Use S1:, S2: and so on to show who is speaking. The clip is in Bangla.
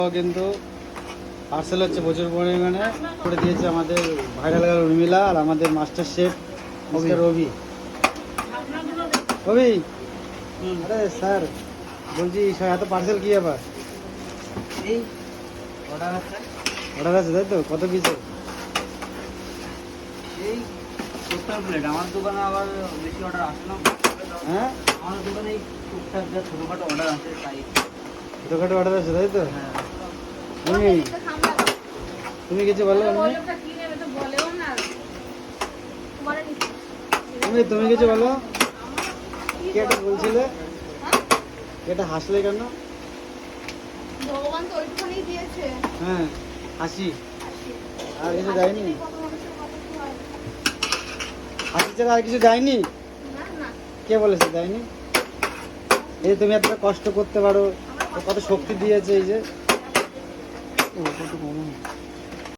S1: কিন্তু পার্সেল হচ্ছে প্রচুর পরিমাণে করে দিয়েছে আমাদের ভাইরাল গার্ল উর্মিলা আর আমাদের master chef mister Ravi. Ravi, আরে স্যার বলছি এত পার্সেল কি ব্যাপার?
S2: এই অর্ডার আছে,
S1: অর্ডার আছে তাই তো? কত পিসে?
S2: এই 70 প্লেট। আমার দোকানে আবার বেশি অর্ডার আসে না।
S1: হ্যাঁ,
S2: আমার দোকানে এই টুকটাক যা ছোটোখাটো অর্ডার আছে তাই।
S1: ছোটোখাটো অর্ডার আছে তাই তো?
S2: হ্যাঁ,
S1: তুমি তুমি কিছু বলো? তুমি কিছু বলো? কি একটা বলছিলে? এটা হাসলে কেন?
S3: ভগবান তো ওইটুখানি দিয়েছে।
S1: হ্যাঁ, হাসি আর কিছু দেয়নি? হাসি ছাড়া আর কিছু দেয়নি?
S3: না না,
S1: কে বলেছে দেয়নি? এই যে তুমি এতটা কষ্ট করতে পারো, কত শক্তি দিয়েছে এই যে। ও, কত কম।